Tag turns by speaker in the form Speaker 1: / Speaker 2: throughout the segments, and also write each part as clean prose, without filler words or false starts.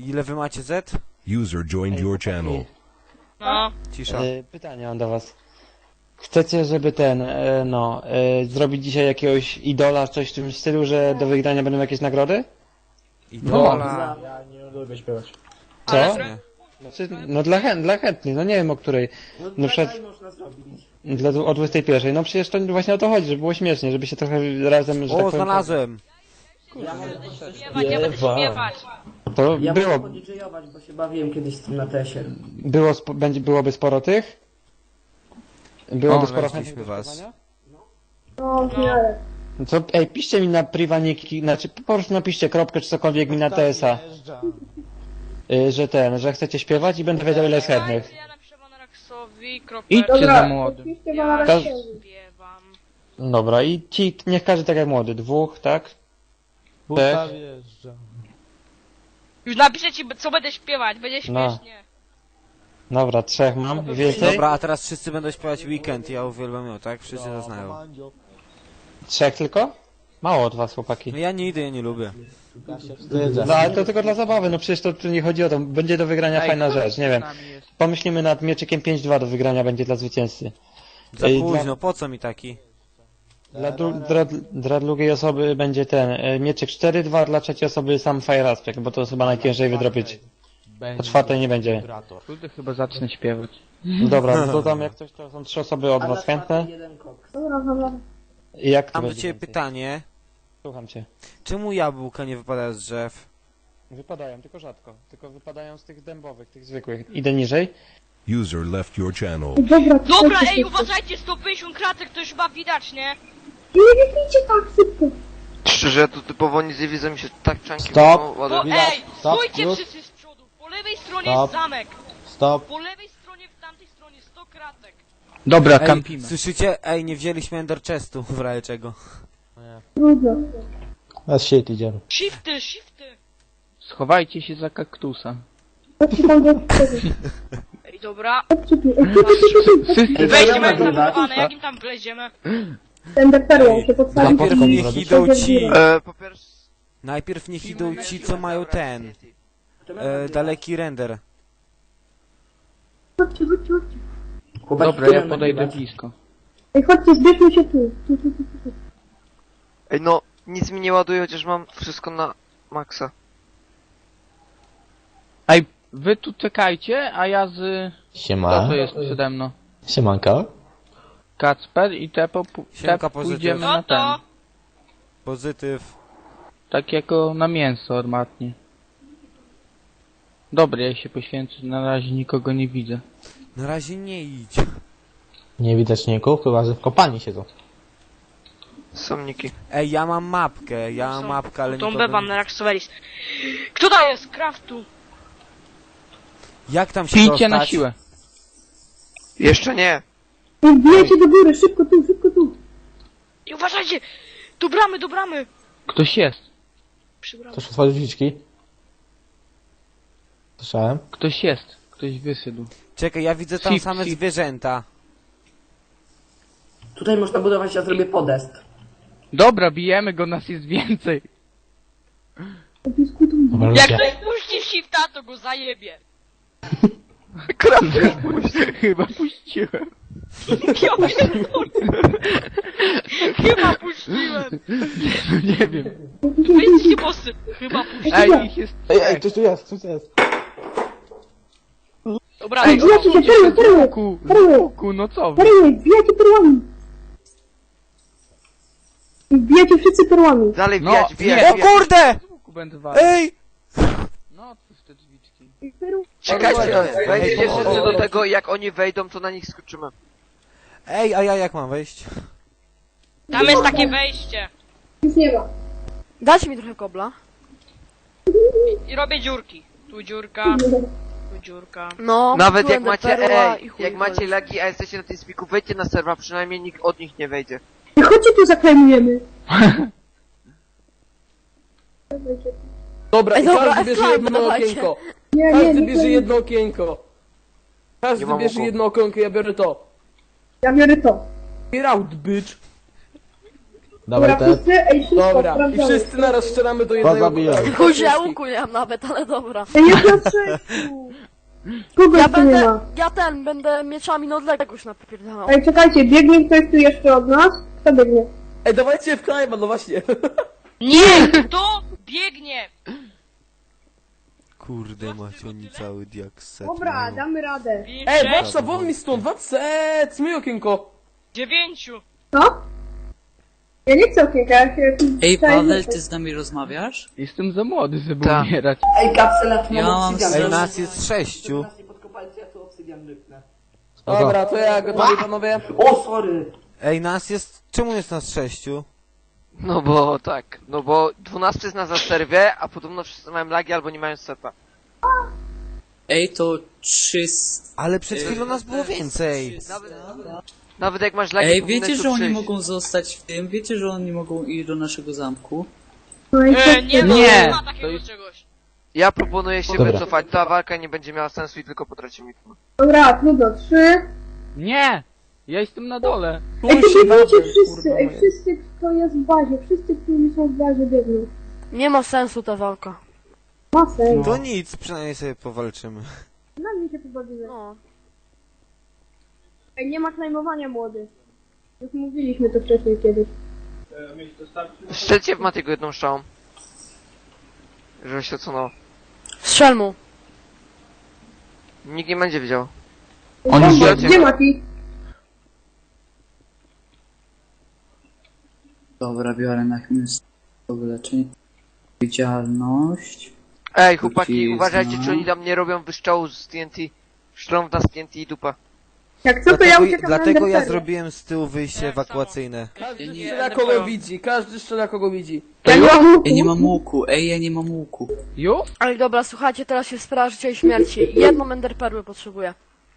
Speaker 1: Ile wy macie Z?
Speaker 2: User joined your channel.
Speaker 3: No.
Speaker 1: Cisza.
Speaker 4: Pytanie mam do was. Chcecie, żeby zrobić dzisiaj jakiegoś idola, coś w tym stylu, że do wygrania będą jakieś nagrody?
Speaker 1: Idola.
Speaker 5: Ja nie lubię śpiewać.
Speaker 4: Co?
Speaker 1: Nie.
Speaker 4: Znaczy, no dla chętnych, no nie wiem o której.
Speaker 5: No
Speaker 4: przed-
Speaker 5: tak można zrobić.
Speaker 4: O 21. No przecież to właśnie o to chodzi, żeby było śmiesznie, żeby się trochę razem, że tak
Speaker 1: O,
Speaker 4: powiem...
Speaker 1: znalazłem.
Speaker 5: Ja mogę
Speaker 3: Śpiewać, ja będę śpiewać.
Speaker 4: To
Speaker 5: ja mogę
Speaker 4: było,
Speaker 5: podidżejować, bo się bawiłem kiedyś z tym na tesie.
Speaker 4: byłoby sporo tych? Byłoby
Speaker 1: O,
Speaker 4: sporo
Speaker 1: weźliśmy
Speaker 4: chętnych do
Speaker 1: was.
Speaker 4: śpiewania?
Speaker 6: No, w miarę.
Speaker 4: No to, piszcie mi na priwaniki, znaczy po prostu napiszcie kropkę czy cokolwiek mi na TS-a. Że chcecie śpiewać i będę wiedział ile jest chętnych.
Speaker 3: Ja napiszę Vanaraxowi,
Speaker 7: Idźcie
Speaker 3: kropeczka,
Speaker 7: za młodym.
Speaker 6: Oczywiście
Speaker 3: ja
Speaker 6: ma
Speaker 3: śpiewam.
Speaker 4: Dobra, i ci, niech każdy tak jak młody, 2, tak?
Speaker 7: Buta wjeżdża.
Speaker 3: Już napiszę ci, co będę śpiewać, będzie
Speaker 4: No.
Speaker 3: śmiesznie.
Speaker 4: Dobra, 3 mam i więcej?
Speaker 1: Dobra, a teraz wszyscy będą śpiewać Weekend, ja uwielbiam ją, tak? Wszyscy to znają.
Speaker 4: 3 tylko? Mało od was, chłopaki.
Speaker 1: No ja nie idę, ja nie lubię.
Speaker 7: Ja się wstydzę.
Speaker 4: No ale to tylko dla zabawy, no przecież to tu nie chodzi o to, będzie do wygrania fajna rzecz, nie wiem. Pomyślimy nad mieczykiem 5-2 do wygrania będzie dla zwycięzcy.
Speaker 1: Za
Speaker 4: Ej,
Speaker 1: późno, po co mi taki?
Speaker 4: Dla drugiej osoby będzie mieczyk 4-2, dla trzeciej osoby sam Fire Aspect, bo to jest chyba najciężej wydrobić. Po czwartej nie będzie.
Speaker 7: Kurde, chyba zacznę śpiewać.
Speaker 4: Dobra, dodam jak coś, to są 3 osoby od
Speaker 5: A na
Speaker 4: was chętne.
Speaker 5: czwartej jeden koks.
Speaker 6: Dobra, dobra.
Speaker 4: I jak to
Speaker 1: Mam do
Speaker 4: będzie
Speaker 1: ciebie
Speaker 4: więcej?
Speaker 1: pytanie.
Speaker 4: Słucham cię.
Speaker 1: Czemu jabłka nie wypadają z drzew?
Speaker 4: Wypadają, tylko rzadko. Tylko wypadają z tych dębowych, tych zwykłych. Idę niżej.
Speaker 2: User left your channel.
Speaker 6: Dobra,
Speaker 3: Dobra, ej, uważajcie, 150 kratek to już chyba widać, nie?
Speaker 6: Nie biegnijcie tak szybko.
Speaker 8: Szczerze, ja tu typowo nic nie widzę, mi się tak czanki
Speaker 7: Stop.
Speaker 3: Bo,
Speaker 8: ładują.
Speaker 3: ej,
Speaker 7: Stop,
Speaker 3: stójcie
Speaker 7: już.
Speaker 3: wszyscy z przodu. Po lewej stronie
Speaker 7: Stop.
Speaker 3: jest zamek.
Speaker 7: Stop.
Speaker 3: Po lewej stronie, w tamtej stronie 100 kratek.
Speaker 7: Dobra,
Speaker 1: Ej,
Speaker 7: kampimy.
Speaker 1: słyszycie? Ej, nie wzięliśmy Ender Chestu, w razie czego.
Speaker 6: Trudno.
Speaker 7: Na shit idziemy.
Speaker 3: Shifty, shifty.
Speaker 7: Schowajcie się za kaktusa.
Speaker 6: Chodźcie tam do przodu.
Speaker 3: Ej, dobra.
Speaker 6: Chodźcie tu. Ej, tu.
Speaker 7: Wszyscy
Speaker 3: Wejdziemy jak
Speaker 5: nagrywać?
Speaker 3: zabudowane, jakim tam wleziemy?
Speaker 6: Ten perłą się podstawi.
Speaker 1: Najpierw niech idą ci...
Speaker 8: Po pierwsze...
Speaker 1: Najpierw niech idą ci, co mają ten... daleki render.
Speaker 6: Chodźcie, chodźcie, chodźcie.
Speaker 5: Chłopaki,
Speaker 7: Dobra, ja
Speaker 5: którym
Speaker 7: podejdę
Speaker 5: nagrywać?
Speaker 7: blisko.
Speaker 6: Ej, chodźcie, zbierzmy się tu. Tu.
Speaker 8: Ej no, nic mi nie ładuje, chociaż mam wszystko na maksa.
Speaker 7: Ej, wy tu czekajcie, a ja z... Kto to jest przede mną?
Speaker 9: Siemanko.
Speaker 7: Kacper i Tepo
Speaker 1: Siemka, pozytyw.
Speaker 7: pójdziemy
Speaker 3: No
Speaker 7: na ten.
Speaker 3: to...
Speaker 1: Pozytyw.
Speaker 7: Tak jako na mięso armatnie. Dobra, ja się poświęcę, na razie nikogo nie widzę.
Speaker 1: Na razie nie idź.
Speaker 9: Nie widać ników, chyba że w kopalni siedzą.
Speaker 8: Somniki.
Speaker 1: Ej, ja mam mapkę, ale
Speaker 3: Tą
Speaker 1: nikogo
Speaker 3: B
Speaker 1: nie...
Speaker 3: Vanaraxowelis. Kto to jest? Craftu.
Speaker 1: Jak tam się
Speaker 7: Pijcie
Speaker 1: dostać?
Speaker 7: na siłę.
Speaker 8: Jeszcze nie.
Speaker 6: Ej, wbijajcie do góry, szybko tu.
Speaker 3: I uważajcie! Do bramy!
Speaker 7: Ktoś jest.
Speaker 3: Przy bramie.
Speaker 9: Ktoś otworzył drzwiczki? Słyszałem.
Speaker 7: Ktoś jest. Ktoś wyszedł.
Speaker 1: Czekaj, ja widzę tam
Speaker 7: Sip,
Speaker 1: same
Speaker 7: sip.
Speaker 1: zwierzęta.
Speaker 5: Tutaj można budować, ja zrobię podest.
Speaker 7: Dobra, bijemy go, nas jest więcej.
Speaker 9: Dobra,
Speaker 3: Jak
Speaker 9: ludzie.
Speaker 3: ktoś puści shifta, to go zajebie.
Speaker 7: Chyba puściłem.
Speaker 3: Ja pierdolę. Chyba puściłem.
Speaker 7: No nie wiem.
Speaker 3: Wyjdźcie bossy. Chyba puściłem.
Speaker 7: Ej, ich jest
Speaker 9: Ej, ktoś tu jest.
Speaker 3: Dobra,
Speaker 6: Ej, wbijajcie się, perły.
Speaker 7: z łuku, no co wy?
Speaker 6: Perły, wbijajcie perłami. Wbijajcie wszyscy perłami.
Speaker 8: Dalej
Speaker 7: No,
Speaker 8: wbijać,
Speaker 7: nie.
Speaker 8: wbijać,
Speaker 1: O kurde!
Speaker 7: Z łuku będę walił.
Speaker 1: Ej!
Speaker 7: No, otwórz te drzwiczki.
Speaker 8: Czekajcie, wejdźcie wszyscy do tego, jak oni wejdą, to na nich skoczymy.
Speaker 1: Ej, a ja jak mam wejść?
Speaker 3: tam jest takie wejście.
Speaker 6: Nic nie ma.
Speaker 10: Dajcie mi trochę kobla.
Speaker 3: I robię dziurki. Tu dziurka, tu dziurka.
Speaker 10: No,
Speaker 8: Nawet jak
Speaker 10: będę
Speaker 8: macie,
Speaker 10: perła i
Speaker 8: ej,
Speaker 10: chuj
Speaker 8: jak macie
Speaker 10: koleś.
Speaker 8: lagi, a jesteście na tym spiku, wejdźcie na serwa, przynajmniej nikt od nich nie wejdzie.
Speaker 6: Ej, chodźcie tu, zaklejmujemy.
Speaker 11: Dobra,
Speaker 10: Ej,
Speaker 11: i
Speaker 10: dobra,
Speaker 11: każdy bierze
Speaker 10: slime
Speaker 11: jedno
Speaker 10: dawajcie.
Speaker 11: okienko.
Speaker 6: Nie,
Speaker 11: Każdy bierze jedno okienko. Każdy
Speaker 8: Nie mam
Speaker 11: bierze
Speaker 8: oku.
Speaker 11: jedno okienko, ja biorę to.
Speaker 6: Ja biorę to.
Speaker 11: Get out, bitch.
Speaker 9: Dawaj te.
Speaker 6: wszyscy, ej, wszystko,
Speaker 11: Dobra, i
Speaker 6: sprawdzamy.
Speaker 11: wszyscy naraz strzelamy do jednego.
Speaker 9: Pozabijam.
Speaker 10: Kurczę, ja łuku nie mam nawet, ale dobra.
Speaker 6: Ej, jest na 6. Kogo
Speaker 10: Ja
Speaker 6: jeszcze nie
Speaker 10: będę,
Speaker 6: ma?
Speaker 10: będę mieczami na odległość napierdalał.
Speaker 6: Ej, czekajcie, biegnie ktoś tu jeszcze od nas? Kto biegnie?
Speaker 11: Ej, dawajcie w knajma, no właśnie.
Speaker 3: Nie! Kto biegnie?
Speaker 1: Kurde macie, oni cały diakset
Speaker 6: Dobra,
Speaker 1: mają.
Speaker 6: damy radę.
Speaker 11: Ej, Wapsa, won mi stąd, Wapset, zmyj okienko.
Speaker 3: 9.
Speaker 6: Co? Ja nie chcę okienka, ja się...
Speaker 12: Ej, Paweł, ty z nami rozmawiasz?
Speaker 7: Jestem za młody, żeby
Speaker 8: Tak.
Speaker 7: umierać.
Speaker 5: Ej, kapsela, tu
Speaker 12: Ja
Speaker 5: mam
Speaker 12: mam
Speaker 5: obsydian.
Speaker 1: Ej, nas jest 6.
Speaker 5: Nas nie podkopajcie, ja tu obsydian rypnę.
Speaker 11: Dobra, to ja gotowi, panowie.
Speaker 5: O, sorry.
Speaker 1: Ej, nas jest... Czemu jest nas 6?
Speaker 8: No bo tak, no bo 12 jest na serwie, a podobno wszyscy mają lagi albo nie mają seta.
Speaker 12: Ej, to 300...
Speaker 1: Ale przed chwilą nas było więcej.
Speaker 8: Nawet jak masz lagi,
Speaker 12: Ej,
Speaker 8: powinny
Speaker 12: wiecie,
Speaker 8: tu
Speaker 12: że oni
Speaker 8: przyjść.
Speaker 12: mogą zostać w tym? Wiecie, że oni mogą iść do naszego zamku?
Speaker 6: No i co?
Speaker 3: Nie, no,
Speaker 7: Nie,
Speaker 3: nie ma
Speaker 7: to
Speaker 3: takiego
Speaker 7: jest-
Speaker 3: czegoś.
Speaker 8: Ja proponuję się
Speaker 9: Dobra.
Speaker 8: wycofać, ta walka nie będzie miała sensu i tylko potracimy.
Speaker 6: Dobra, trudno, 3.
Speaker 7: Nie! Ja jestem na dole.
Speaker 6: Ej, to biegnijcie wszyscy,
Speaker 11: kurwa,
Speaker 6: ej,
Speaker 11: moje.
Speaker 6: wszyscy, kto jest w bazie, wszyscy, którzy są w bazie, biegną.
Speaker 10: Nie ma sensu ta walka.
Speaker 6: Ma sens.
Speaker 1: To nic, przynajmniej sobie powalczymy.
Speaker 6: Na mnie się pobawimy.
Speaker 10: No.
Speaker 6: Ej, nie ma klejmowania, młody. Już mówiliśmy to wcześniej kiedyś.
Speaker 8: Strzelcie w Matiego jedną strzałą. Żeby się odsunął.
Speaker 10: Strzel mu.
Speaker 8: Nikt nie będzie widział.
Speaker 7: Oni
Speaker 6: Bomba,
Speaker 7: siedzą.
Speaker 6: gdzie Mati?
Speaker 12: Dobra, biorę na chwilę wyleczenie. Widzialność.
Speaker 8: Ej, chłopaki,
Speaker 12: Wrócizna.
Speaker 8: uważajcie, czy oni tam nie robią wyszczału z TNT. Szlą w nas TNT i dupa.
Speaker 6: Jak co, to ja uciekam na
Speaker 1: Dlatego ja
Speaker 6: Enderpearl.
Speaker 1: zrobiłem z tyłu wyjście ewakuacyjne.
Speaker 11: Każdy
Speaker 12: nie-
Speaker 11: strzela kogo widzi, każdy strzela kogo widzi.
Speaker 6: Ja nie mam łuku.
Speaker 12: Ej, nie mam łuku. Ej, ja nie mam łuku.
Speaker 7: Już?
Speaker 10: Ale dobra, słuchajcie, teraz się sprawa życia i śmierci. Jedną enderperłę potrzebuję.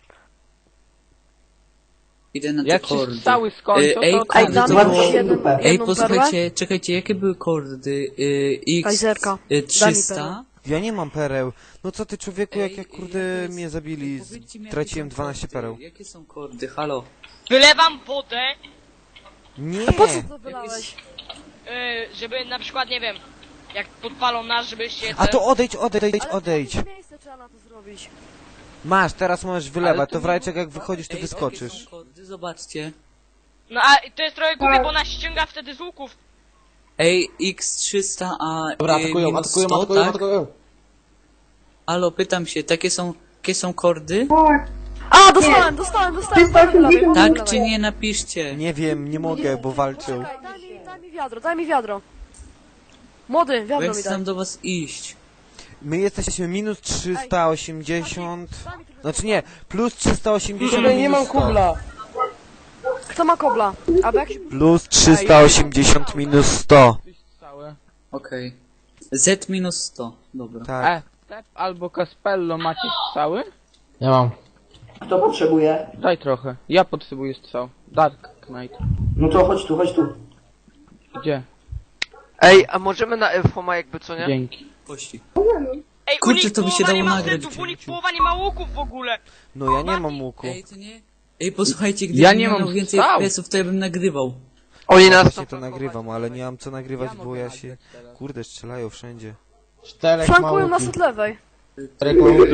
Speaker 12: Idę na te
Speaker 7: Jak się
Speaker 12: kordy.
Speaker 7: strzały skończą,
Speaker 12: Ej,
Speaker 7: to...
Speaker 10: Ej,
Speaker 12: kordy
Speaker 10: dam
Speaker 12: to
Speaker 5: Zobaczcie
Speaker 10: mi
Speaker 12: było...
Speaker 5: się
Speaker 10: jedną,
Speaker 5: dupę.
Speaker 12: Ej,
Speaker 10: jedną perłę.
Speaker 12: posłuchajcie, czekajcie, jakie były kordy? X...
Speaker 10: Kajzerka. Daj mi
Speaker 12: 300?
Speaker 10: perłę.
Speaker 1: Ja nie mam pereł. No co ty człowieku, jak
Speaker 12: Ej,
Speaker 1: ja kurde
Speaker 12: jakie jest-
Speaker 1: mnie zabili,
Speaker 12: Powiedzcie mi, jakie
Speaker 1: traciłem
Speaker 12: są
Speaker 1: 12
Speaker 12: kordy.
Speaker 1: pereł.
Speaker 12: Jakie są kordy? Halo?
Speaker 3: Wylewam wodę,
Speaker 1: Nie!
Speaker 10: Po co to wylałeś?
Speaker 3: żeby na przykład, nie wiem, jak podpalą nas, żebyście...
Speaker 1: A to odejdź, odejdź,
Speaker 10: Ale
Speaker 1: odejdź.
Speaker 10: w jakie miejsce trzeba na to zrobić?
Speaker 1: Masz, teraz możesz
Speaker 12: Ale
Speaker 1: wylewać,
Speaker 12: to
Speaker 1: to w
Speaker 12: nie
Speaker 1: razie
Speaker 12: ma-
Speaker 1: jak wychodzisz, to
Speaker 12: Ej, Jakie
Speaker 1: wyskoczysz.
Speaker 12: są kordy? Zobaczcie.
Speaker 3: No a to jest trochę głupie, bo nas ściąga wtedy z łuków.
Speaker 12: Ej, X300, a
Speaker 9: Dobra,
Speaker 12: y,
Speaker 9: atakują,
Speaker 12: minus
Speaker 9: atakują,
Speaker 12: 100,
Speaker 9: atakują,
Speaker 12: tak?
Speaker 9: atakują.
Speaker 12: Halo, pytam się, jakie są kordy?
Speaker 6: Tak.
Speaker 10: A, dostałem.
Speaker 6: 380
Speaker 12: Tak czy nie, napiszcie.
Speaker 1: Nie wiem, nie mogę, bo walczą.
Speaker 10: Czekaj, daj mi wiadro. Młody,
Speaker 12: Bo
Speaker 10: wiadro
Speaker 12: ja
Speaker 10: mi
Speaker 12: chcę
Speaker 10: daj.
Speaker 12: tam do was iść.
Speaker 1: My jesteśmy minus 380...
Speaker 10: Daj mi trochę
Speaker 1: Znaczy nie, plus 380
Speaker 11: Kurde, nie mam
Speaker 1: minus 100.
Speaker 11: kubla.
Speaker 10: Kto ma kobla? A bo jak się...
Speaker 1: Plus 380 minus 100.
Speaker 7: Strzały.
Speaker 12: Okej. Z minus 100, dobra.
Speaker 1: Tak.
Speaker 7: Step albo Caspello macie strzały?
Speaker 9: Ja mam.
Speaker 5: Kto potrzebuje?
Speaker 7: Daj trochę. Ja potrzebuję strzał. Dark Knight.
Speaker 5: No to chodź tu, chodź tu.
Speaker 7: Gdzie?
Speaker 8: Ej, a możemy na Elfoma jakby co nie?
Speaker 7: Dzięki.
Speaker 12: Pościg.
Speaker 3: Ej,
Speaker 12: Kurczę,
Speaker 3: u nich
Speaker 12: to by się
Speaker 3: połowa
Speaker 12: dało
Speaker 3: nie ma
Speaker 12: nagrać
Speaker 3: setów, u nich
Speaker 12: przecież.
Speaker 3: połowa nie ma łuków w ogóle.
Speaker 1: No ja nie mam łuku.
Speaker 12: Ej, to nie? Ej, posłuchajcie, gdybym
Speaker 7: Ja nie
Speaker 12: miał
Speaker 7: mam
Speaker 12: więcej
Speaker 7: strzał.
Speaker 12: FPS-ów, to ja bym nagrywał.
Speaker 8: Oni
Speaker 1: Ja
Speaker 8: nas
Speaker 1: właśnie to
Speaker 8: chcą
Speaker 1: nagrywam, ale nie mam co nagrywać, bo ja się... Kurde, strzelają wszędzie.
Speaker 9: 4
Speaker 10: Flankują nas od lewej.
Speaker 9: 4 kółki.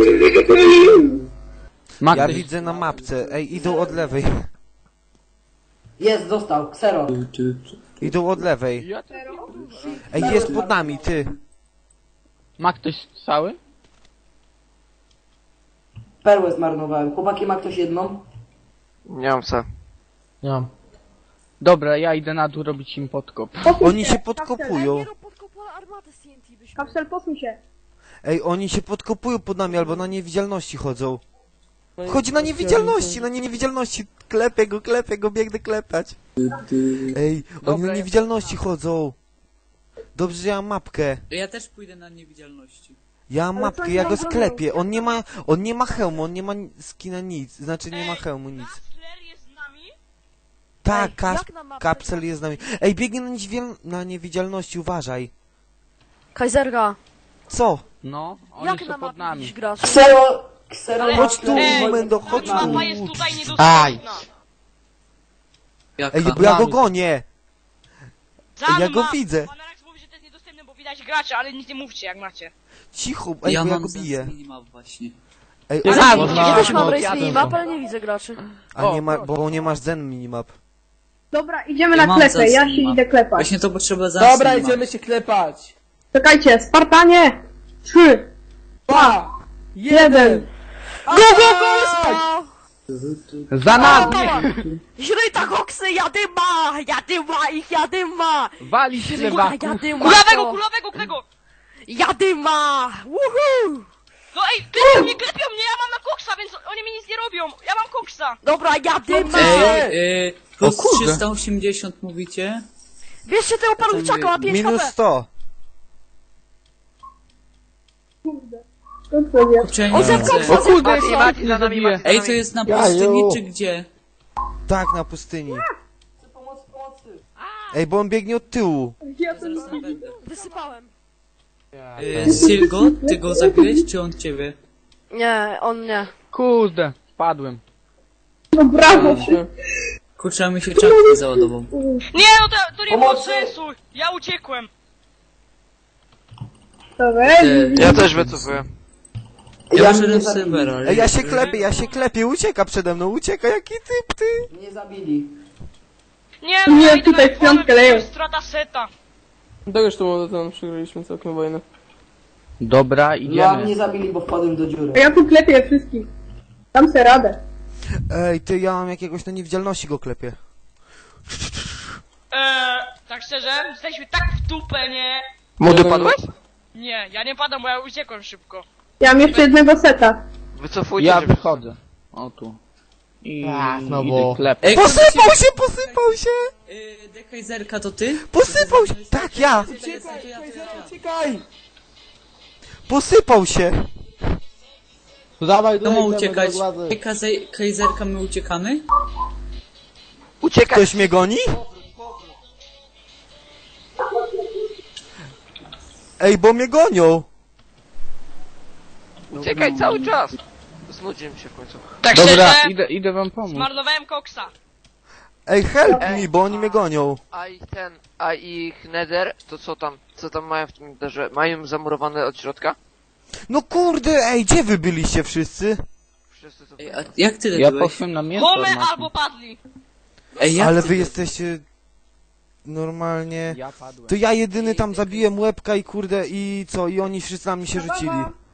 Speaker 7: Magdy.
Speaker 1: Ja widzę na mapce. Ej, idą od lewej.
Speaker 5: Jest, dostał, ksero.
Speaker 1: Idą od lewej.
Speaker 7: Ja to...
Speaker 1: Ej, jest pod nami, ty.
Speaker 7: Ma ktoś strzały?
Speaker 5: Perłę zmarnowałem. Chłopaki, ma ktoś jedną?
Speaker 8: Nie mam co.
Speaker 9: Nie mam.
Speaker 7: Dobra, ja idę na dół robić im podkop.
Speaker 1: Oni się podkopują.
Speaker 10: Nie rób podkopu armatę z TNT byśmy.
Speaker 6: Kapsel, posuń się.
Speaker 1: Ej, oni się podkopują pod nami albo na niewidzialności chodzą. Chodzi na niewidzialności. Klepię go, biegnę klepać. Ej, oni na niewidzialności chodzą. Dobrze, że ja mam mapkę.
Speaker 12: Ja też pójdę na niewidzialności.
Speaker 1: Ja mam mapkę, ja go sklepię. On nie ma hełmu, on nie ma skina nic. Znaczy nie ma hełmu nic.
Speaker 3: Kastler jest z nami?
Speaker 1: Tak,
Speaker 10: jak na mapce?
Speaker 1: kapsel jest z nami. Ej, biegnie na niewidzialności, uważaj.
Speaker 10: Kajzerka,
Speaker 1: Co?
Speaker 7: No, oni
Speaker 10: jak
Speaker 7: są
Speaker 10: na
Speaker 7: pod
Speaker 10: mapie
Speaker 7: nami.
Speaker 10: widzisz gracz?
Speaker 5: Ksero,
Speaker 3: Ale-
Speaker 1: Chodź tu,
Speaker 3: Ej,
Speaker 1: Mendo, chodź
Speaker 3: Mapa
Speaker 1: tu.
Speaker 3: jest tutaj niedostępna.
Speaker 12: Jaka?
Speaker 1: Ej, bo ja go gonię. Ja go widzę.
Speaker 3: Pan Arax mówi, że to jest niedostępne, bo widać graczy, ale nic nie mówcie jak macie.
Speaker 1: Cicho, ej,
Speaker 12: Ja
Speaker 1: bo ja
Speaker 12: mam
Speaker 1: go
Speaker 12: za
Speaker 1: biję.
Speaker 12: minimap właśnie.
Speaker 1: Ej,
Speaker 10: Ja też mam
Speaker 9: no,
Speaker 10: race
Speaker 9: jadę
Speaker 10: minimap,
Speaker 9: to.
Speaker 10: ale nie widzę graczy.
Speaker 1: a nie ma, bo nie masz zen minimap.
Speaker 6: Dobra, idziemy
Speaker 12: Ja
Speaker 6: na
Speaker 12: mam
Speaker 6: klepę,
Speaker 12: za
Speaker 6: ja się
Speaker 12: minimap.
Speaker 6: idę klepać.
Speaker 12: Właśnie to potrzeba za
Speaker 11: Dobra,
Speaker 12: minimap.
Speaker 11: idziemy się klepać.
Speaker 6: Czekajcie, Spartanie! 3, 2, 1.
Speaker 7: Za nami!
Speaker 10: Źryta koksy, jadyma ich, jadyma!
Speaker 7: Wali się lewaku!
Speaker 10: Jadyma!
Speaker 3: Kulawego, którego?
Speaker 10: Jadyma! Woohoo!
Speaker 3: No ej, klepią mnie, ja mam na koksa, więc oni mi nic nie robią. Ja mam koksa.
Speaker 10: Dobra, jadyma!
Speaker 12: Plus
Speaker 7: kurde.
Speaker 12: 380 mówicie?
Speaker 10: Bierzcie tego parówczaka, ma 5
Speaker 1: Minus
Speaker 10: HP!
Speaker 1: 100.
Speaker 12: Kurczę, ja
Speaker 10: O,
Speaker 12: nie
Speaker 10: zet
Speaker 12: widzę.
Speaker 10: koksa,
Speaker 7: O kurde,
Speaker 10: zet koksa!
Speaker 8: Mati za nami, Mati za
Speaker 12: Ej,
Speaker 8: nami.
Speaker 12: to jest na pustyni czy gdzie?
Speaker 1: Tak, na pustyni.
Speaker 5: Pomocy.
Speaker 1: Ej, bo on biegnie od tyłu.
Speaker 12: Zaraz tam będę.
Speaker 10: Wysypałem.
Speaker 12: Silgo, ty go zabiłeś, czy on ciebie?
Speaker 10: Nie, on nie.
Speaker 7: Kurde, spadłem.
Speaker 6: No brawo!
Speaker 12: Kurczę, mi się czapkę załadował.
Speaker 3: Nie, no to nie było
Speaker 5: Pomocy!
Speaker 3: sensu. Ja uciekłem.
Speaker 6: Dobra,
Speaker 8: Ja też wycofuję.
Speaker 12: Ja
Speaker 5: mnie
Speaker 12: wyszedłem z
Speaker 5: zabili.
Speaker 12: serwera.
Speaker 1: Ej, ja się klepię, ucieka przede mną, ucieka, jaki typ, ty.
Speaker 5: Mnie zabili.
Speaker 3: Nie, no
Speaker 6: Nie,
Speaker 3: ja idę
Speaker 6: tutaj
Speaker 3: na
Speaker 6: w piątkę
Speaker 3: głowę,
Speaker 6: leją.
Speaker 3: to jest strata seta.
Speaker 11: To już tu tam przegraliśmy całkiem wojnę.
Speaker 7: Dobra,
Speaker 5: No, a
Speaker 7: idziemy.
Speaker 5: mnie zabili, bo wpadłem do dziury.
Speaker 6: a ja tu klepię wszystkich. Dam se radę.
Speaker 1: Ej, ty, ja mam jakiegoś na niewidzialności go klepię.
Speaker 3: Tak szczerze, jesteśmy tak w dupę, nie?
Speaker 7: Młody padłeś?
Speaker 3: Nie, ja nie padam, bo ja uciekłem szybko.
Speaker 6: Ja mam jeszcze jednego seta.
Speaker 8: Wycofujcie
Speaker 7: Ja
Speaker 8: się.
Speaker 7: wychodzę. O tu. I
Speaker 9: Tak, no
Speaker 7: idę
Speaker 9: bo-
Speaker 7: klepać.
Speaker 12: Ej,
Speaker 1: Posypał się!
Speaker 12: Dekajzerka to ty?
Speaker 1: Posypał się! Tak, ja!
Speaker 11: Uciekaj!
Speaker 1: Posypał się!
Speaker 9: To dawaj,
Speaker 12: Kto ma
Speaker 9: idziemy do
Speaker 12: uciekać?
Speaker 9: władzy.
Speaker 12: Kajzerka, my uciekamy?
Speaker 8: Uciekaj!
Speaker 1: Ktoś mnie goni? Ej, bo mnie gonią!
Speaker 8: Uciekaj cały czas! Znudziłem się w końcu.
Speaker 3: Tak
Speaker 7: Dobra,
Speaker 3: szczerze,
Speaker 7: idę wam pomóc.
Speaker 3: zmarnowałem koksa.
Speaker 1: Ej, help me, bo oni mnie gonią.
Speaker 8: A ich nether, to co tam mają w tym netherze? Mają zamurowane od środka?
Speaker 1: No kurde, ej, gdzie wy byliście wszyscy?
Speaker 8: Wszyscy to...
Speaker 12: Ej, a jak ty
Speaker 7: Ja
Speaker 12: byłeś?
Speaker 7: poszłem na mięso.
Speaker 3: Home
Speaker 7: Marcin.
Speaker 3: albo padli.
Speaker 12: Ej, jak
Speaker 1: Ale
Speaker 12: ty
Speaker 1: wy
Speaker 12: byłeś?
Speaker 1: jesteście... Normalnie...
Speaker 7: Ja padłem.
Speaker 1: To ja jedyny tam zabiłem łebka i kurde i co? I oni wszyscy na mnie się rzucili.